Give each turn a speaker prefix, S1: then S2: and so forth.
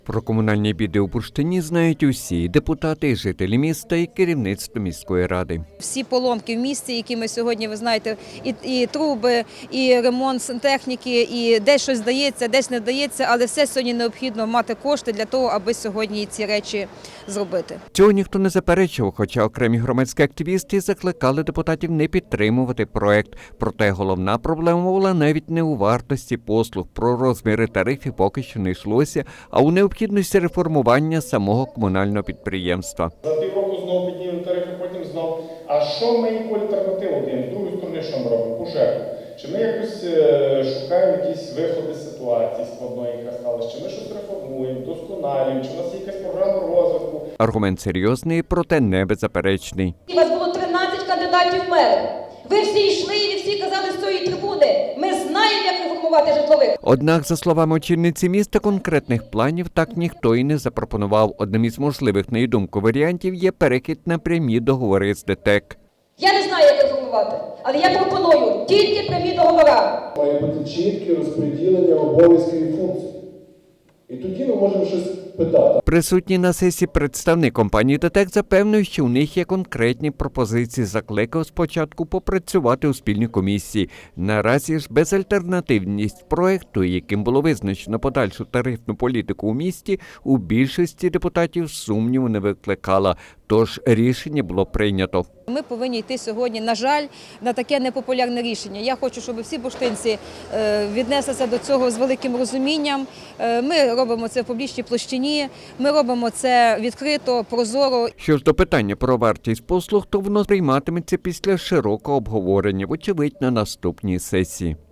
S1: Про комунальні біди у Бурштині знають усі – депутати, жителі міста і керівництво міської ради.
S2: Всі поломки в місті, які ми сьогодні, ви знаєте, і труби, і ремонт сантехніки, і десь щось дається, десь не дається, але все сьогодні необхідно мати кошти для того, аби сьогодні ці речі зробити.
S1: Цього ніхто не заперечував, хоча окремі громадські активісти закликали депутатів не підтримувати проект. Проте головна проблема була навіть не у вартості послуг. Про розміри тарифів поки що не йшлося, а у необхідності реформування самого комунального підприємства.
S3: За півроку знову підняли тарифи, потім знов. А що ми яку альтернативу даємо? З другої сторони, що ми робимо? Пожежу. Чи ми якось шукаємо якісь виходи з ситуації складної, яка сталася? Чи ми щось реформуємо, вдосконалюємо? Чи у нас є якась програма розвитку?
S1: Аргумент серйозний, проте не беззаперечний.
S4: У вас було 13 кандидатів в мери. Ви всі йшли і всі казали з цієї трибуни: ми знаємо, як реформувати житлових.
S1: Однак, за словами очільниці міста, конкретних планів так ніхто і не запропонував. Одним із можливих, на її думку, варіантів є перехід на прямі договори з ДТЕК.
S4: Я не знаю, як реформувати, але я пропоную тільки прямі договори.
S5: Має бути чітке розподілення обов'язків і функцій. І тоді ми можемо щось питати.
S1: Присутній на сесії представник компанії ДТЕК запевнив, що у них є конкретні пропозиції. Закликав спочатку попрацювати у спільній комісії. Наразі ж безальтернативність проекту, яким було визначено подальшу тарифну політику у місті, у більшості депутатів сумніву не викликала. Тож рішення було прийнято.
S2: Ми повинні йти сьогодні, на жаль, на таке непопулярне рішення. Я хочу, щоб всі бурштинці віднеслися до цього з великим розумінням. Ми робимо це в публічній площині, ми робимо це відкрито, прозоро.
S1: Що ж до питання про вартість послуг, то воно прийматиметься після широкого обговорення, вочевидь, на наступній сесії.